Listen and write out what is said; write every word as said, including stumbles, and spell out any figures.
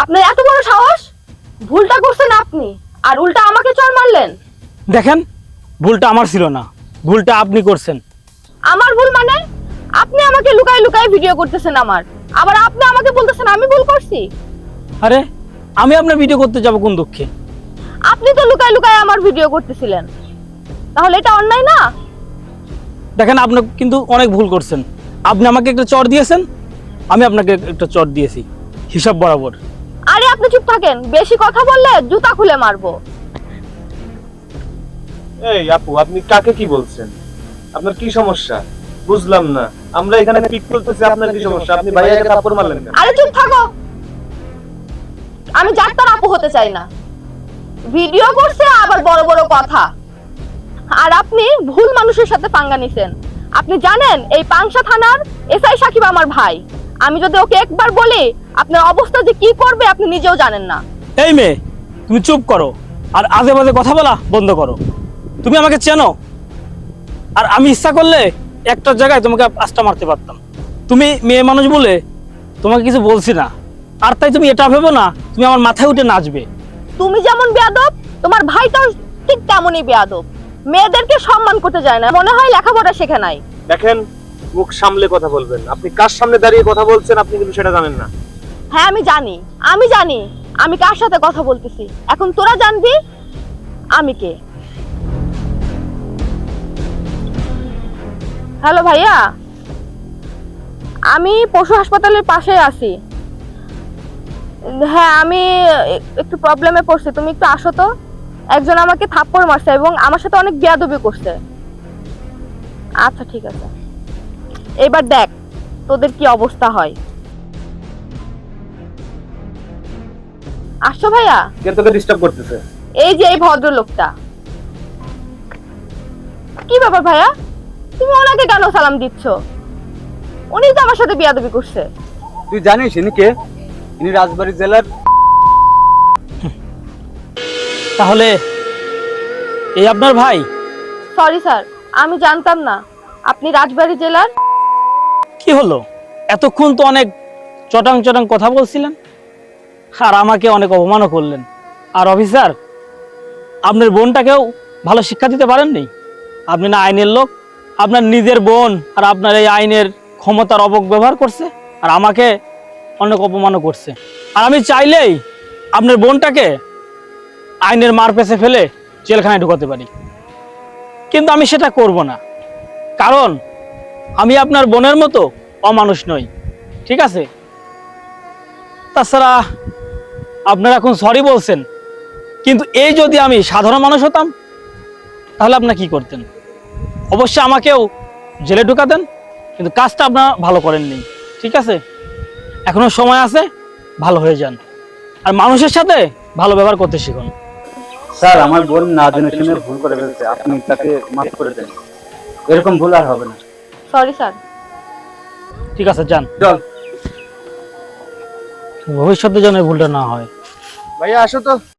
আপনার এত বড় সাহস, ভুলটা করছেন আপনি আর উল্টা আমাকে চড় মারলেন। দেখেন, ভুলটা আমার ছিল না, ভুলটা আপনি করছেন। আমার ভুল মানে? আপনি আমাকে লুকায় লুকায় ভিডিও করতেছেন আমার, আবার আপনি আমাকে বলতেছেন আমি ভুল করছি। আরে আমি আপনার ভিডিও করতে যাব কোন দুঃখে? আপনি তো লুকায় লুকায় আমার ভিডিও করতেছিলেন, তাহলে এটা অন্যায় না? দেখেন, আপনি কিন্তু অনেক ভুল করছেন। আপনি আমাকে একটা চড় দিয়েছেন, আমি আপনাকে একটা চড় দিয়েছি, হিসাব বরাবর। আরে আপনি চুপ থাকেন, বেশি কথা বললে জুতা খুলে মারবো। এই আপু, আপনি কাকে কি বলছেন? আপনার কি সমস্যা বুঝলাম না। আমরা এখানে পিক করতেছি, আপনার কি সমস্যা? আপনি ভাইয়াকে থাপ্পড় মারলেন কেন? আরে চুপ থাকো, আমি যার তার আপু হতে চাই না। ভিডিও করছে আবার বড় বড় কথা। আর আপনি ভুল মানুষের সাথে পাঙ্গা নিছেন। আপনি জানেন এই পাংশা থানার এসআই সাকিব আমার ভাই। আমি যদি ওকে একবার বলি আপনার অবস্থা যে কি করবে আপনি নিজেও জানেন না। এই মেয়ে, তুমি চুপ করো আর আজে বাজে কথা বলা বন্ধ করো। তুমি আমাকে চেনো, আর আমি ইচ্ছা করলে একটা জায়গায় তোমাকে পাঁচটা মারতে পারতাম। তুমি মেয়ে মানুষ বলে তোমাকে কিছু বলছি না, আর তাই তুমি এটা ভেবো না তুমি আমার মাথায় উঠে নাচবে। তুমি যেমন বেয়াদব, তোমার ভাইটাও ঠিক তেমনই বেয়াদব। মেয়েদেরকে সম্মান করতে যায় না, মনে হয় লেখাপড়া শেখে নাই। দেখেন, মুখ সামলে কথা বলবেন। আপনি কার সামনে দাঁড়িয়ে কথা বলছেন আপনি কিন্তু সেটা জানেন না। হ্যাঁ আমি জানি, আমি জানি আমি কার সাথে কথা বলতেছি। এখন তোরা জানবি আমি কে। হ্যালো ভাইয়া, আমি পশু হাসপাতালের পাশে আছি। হ্যাঁ আমি একটু প্রবলেমে পড়ছি, তুমি একটু আসো তো। একজন আমাকে থাপ্পড় মারছে এবং আমার সাথে অনেক বেয়াদবি করছে। আচ্ছা ঠিক আছে, এবার দেখ তোদের কি অবস্থা হয়। আসো ভাইয়া। কে তোকে ডিস্টার্ব করতেছে? এই যে এই ভদ্রলোকটা। কি ব্যাপার ভাইয়া, তুমি ওনাকে কেন সালাম দিচ্ছ? উনি তো আমার সাথে বেয়াদবি করছে। তুই জানিস ইনি কে? ইনি রাজবাড়ী জেলার। তাহলে এই আপনার ভাই? সরি স্যার, আমি জানতাম না আপনি রাজবাড়ী জেলার। কি হলো, এতক্ষণ তো অনেক চটাং চটাং কথা বলছিলেন আর আমাকে অনেক অপমানও করলেন। আর অফিসার, আপনার বোনটাকেও ভালো শিক্ষা দিতে পারেননি। আপনি না আইনের লোক, আপনার নিজের বোন আর আপনার এই আইনের ক্ষমতার অপব্যবহার করছে আর আমাকে অনেক অপমানও করছে। আর আমি চাইলেই আপনার বোনটাকে আইনের মার পেছে ফেলে জেলখানায় ঢুকাতে পারি, কিন্তু আমি সেটা করব না, কারণ আমি আপনার বোনের মতো অমানুষ নই। ঠিক আছে? তাছাড়া আপনারা এখন সরি বলছেন, কিন্তু এই যদি আমি সাধারণ মানুষ হতাম তাহলে আপনারা কি করতেন? অবশ্যই আমাকেও জেলে ঢুকাতেন, কিন্তু কাজটা আপনারা ভালো করেননি। ঠিক আছে, এখনো সময় আছে, ভালো হয়ে যান আর মানুষের সাথে ভালো ব্যবহার করতে শিখুন। স্যার, আমার বোন না জেনে শুনে ভুল করে ফেলছে, আপনি তাকে মাফ করে দেন। এরকম ভুল আর হবে না। Sorry sir. ঠিক আছে, যান। চল ভবিষ্যতে যেন এই ভুলটা না হয়। ভাইয়া আসো তো।